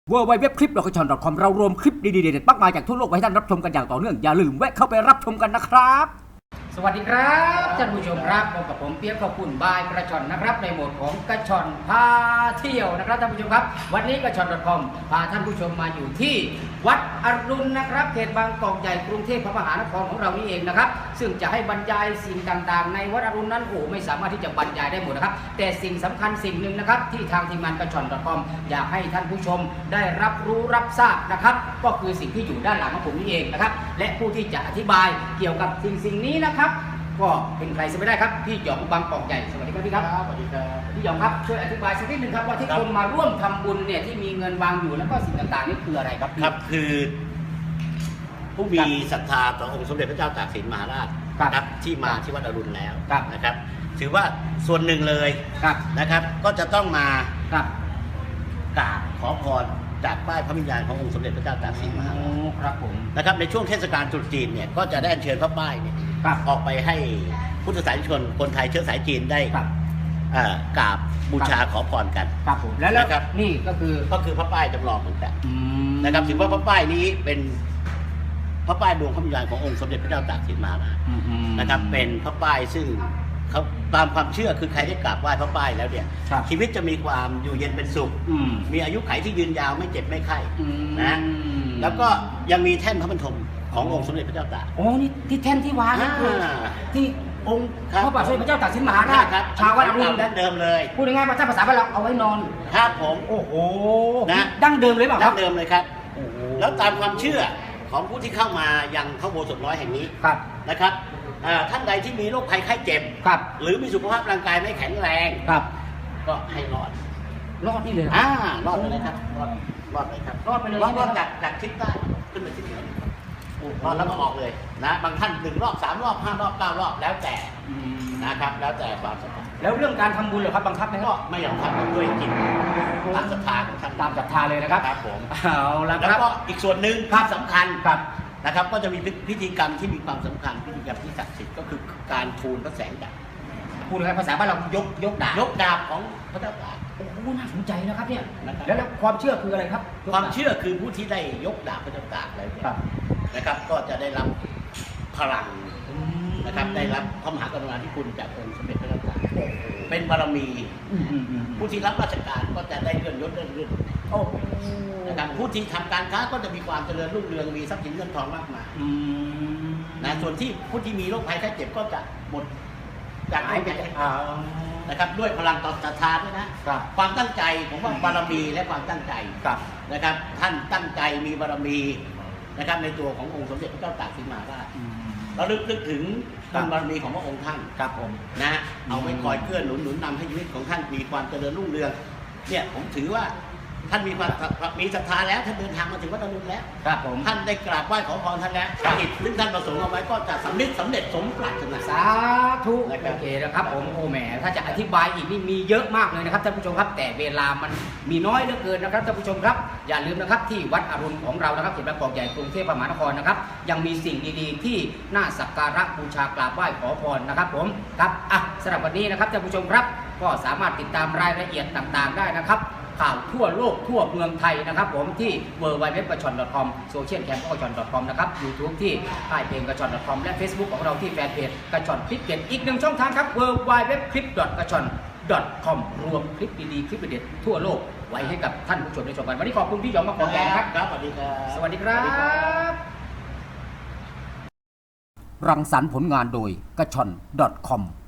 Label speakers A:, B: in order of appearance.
A: www.clip.com เรารวมคลิปดีๆเด็ดๆมากมายจากทั่วโลกไว้ให้ท่านรับชมกันอย่างต่อเนื่องอย่าลืมแวะเข้าไปรับชมกันนะครับสวัสดีครับท่านผู้ชมครับพบกับผมเปี๊ยกขอบคุณบายกระชอนนะครับในโหมดของกระชอนพาเที่ยวนะครับท่านผู้ชมครับวันนี้กระชอน .com พาท่านผู้ชมมาอยู่ที่วัดอรุณนะครับเขตบางกอกใหญ่กรุงเทพมหานครของเรานี่เองนะครับซึ่งจะให้บรรยายสิ่งต่างๆในวัดอรุณนั้นไม่สามารถที่จะบรรยายได้หมดนะครับแต่สิ่งสำคัญสิ่งหนึ่งนะครับที่ทางทีมงานกระชอน .com อยากให้ท่านผู้ชมได้รับรู้รับทราบนะครับก็คือสิ่งที่อยู่ด้านหลังของผมนี่เองนะครับและผู้ที่จะอธิบายเกี่ยวกับสิ่งนี้นะครับก็เป็นใครจะไม่ได้ครับพี่หยองบางกอกใหญ่สวัสดีครับพี่ครับ
B: สวัสดีครับ
A: พี่หยองครับช่วยอธิบายสักนิดหนึ่งครับว่าที่คนมาร่วมทำบุญเนี่ยที่มีเงินวางอยู่แล้วก็สิ่งต่างๆนี่คืออะไรครับ
B: ครับคือผู้มีศรัทธาต่อองค์สมเด็จพระเจ้าตากสินมหาราชครับที่มาที่วัดอรุณแล้วนะครับถือว่าส่วนหนึ่งเลยนะครับก็จะต้องมากราบขอพรจากป้ายพระวิญญาณขององค์สมเด็จพระเจ้าตากสินมหาราช
A: ครับผม
B: นะครับในช่วงเทศกาลตรุษจีนเนี่ยก็จะได้อัญเชิญพระป้ายเนี่ยออกไปให้พุทธศาสนิกชนคนไทยเชื้อสายจีนได้กราบบูชาขอพรกัน
A: ครับผมแล้วครับนี่ก็คือ
B: พระป้ายจำลองเหมือนกันนะครับถือว่าพระป้ายนี้เป็นพระป้ายดวงพระวิญญาณขององค์สมเด็จพระเจ้าตากสินมหาราชนะครับเป็นพระป้ายซึ่งเขาตามความเชื่อคือใครได้กราบไหว้พระป้ายแล้วเนี่ยชีวิตจะมีความอยู่เย็นเป็นสุขมีอายุขัยที่ยืนยาวไม่เจ็บไม่ไข้นะแล้วก็ยังมีแท่นพระบรรทมขององค์สมเด็จพระเจ้าตาก
A: โอ้นี่ที่แท่นที่วางนี่คือที่องค์พระบาทสมเด็จพระเจ้าตากสินมหาราช
B: ชาววัดอรุณดั้งเดิมเลย
A: พูดง่ายๆภาษาบ้านเราเอาไว้นอน
B: ครับผม
A: โอ้โหนะดั้งเดิมเลยเปล่า
B: ดั้งเดิมเลยครับแล้วตามความเชื่อของผู้ที่เข้ามายังพระอุโบสถน้อยแห่งนี้นะครับท่านใดที่มีโรคภัยไข้เจ็บหรือมีสุขภาพร่างกายไม่แข็งแรงก็ให้รอด
A: นี่เลย
B: รอดไปเลยครับรอดเลยครับ
A: รอดไปเลย
B: รอดจากทิศใต้ขึ้นไปทิศเหนือรอดแล้วก็ออกเลยนะบางท่าน1 รอบ 3 รอบ 5 รอบ 9 รอบแล้วแต่นะครับแล้วแต่ความศรัทธา
A: แล้วเรื่องการทำบุญเหรอครับบังคับไหม
B: ก็ไม่ยอมทำด้วยจิตตามศรัทธาของท่าน
A: ตามศรัทธาเลยนะครับ
B: ครับผม
A: เอาละครับ
B: แล้วก็อีกส่วนหนึ่งภาพสำคัญนะครับก็จะมีพิธีกรรมที่มีความสำคัญพิธีกรรมที่ศักดิ์สิทธิ์ก็คือการทูลพระแสงดาบ
A: พูดง่ายภาษาบ้านเรายก
B: ดาบของพระเจ้าตาก
A: โอ้โหน่าสนใจนะครับเนี่ยแล้วความเชื่อคืออะไรครับ
B: ความเชื่อคือผู้ที่ได้ยกดาบพระเจ้าตากอะไรเนี่ยนะครับก็จะได้รับพลังนะครับได้รับพระมหากรุณาธิคุณจากองค์สมเด็จพระเจ้าตากเป็นบารมีผู้ที่รับราชการก็จะได้เลื่อนยศเลื่อนนะครับผู้ที่ทำการค้าก็จะมีความเจริญรุ่งเรืองมีทรัพย์สินเงินทองมากมายนะส่วนที่ผู้ที่มีโรคภัยไข้เจ็บก็จะหมดจากโรคภัยไข้เจ็บนะครับด้วยพลังต่อศรัทธาด้วยนะความตั้งใจผมว่าบารมีและความตั้งใจนะครับท่านตั้งใจมีบารมีนะครับในตัวขององค์สมเด็จพระเจ้าตากสินมหาราชเราลึกถึงบุญบารมีของพระองค์ท่าน
A: ครับผม
B: นะเอาไว้คอยเกื้อหนุนนำให้ชีวิตของท่านมีความเจริญรุ่งเรืองเนี่ยผมถือว่าท่านมีศรัทธาแล้วท่านเดินทางมาถึงวัดอรุณแล้ว
A: ครับผม
B: ท่านได้กราบไหว้ขอพรท่านแล้วกิจที่ท่านประสงค์เอาไว้ก็จะสำเร็จสมปรารถนา
A: สาธุโอเคนะครับผมโอ้แหมถ้าจะอธิบายอีกนี่มีเยอะมากเลยนะครับท่านผู้ชมครับแต่เวลามันมีน้อยเหลือเกินนะครับท่านผู้ชมครับอย่าลืมนะครับที่วัดอรุณของเรานะครับเขตบางกอกใหญ่กรุงเทพมหานครนะครับยังมีสิ่งดีๆที่น่าสักการะบูชากราบไหว้ขอพรนะครับผมครับสำหรับวันนี้นะครับท่านผู้ชมครับก็สามารถติดตามรายละเอียดต่างๆได้นะครับข่าวทั่วโลกทั่วเมืองไทยนะครับผมที่ www.gachon.com โซเชียลแคมป์gachon.com นะครับ YouTube ที่ค่ายเพลง gachon.com และ Facebook ของเราที่แฟนเพจกระชอนคลิปเด็ดอีกหนึ่งช่องทางครับ www.clip.gachon.com รวมคลิปดีๆคลิปเด็ดทั่วโลกไว้ให้กับท่านผู้ชมได้ชมกันวันนี้ขอบคุณพี่หยองมากขอบคุณครับ
B: สวัสดีครับ
A: สวัสดีครับรังสรรค์ผลงานโดยกระชอน .com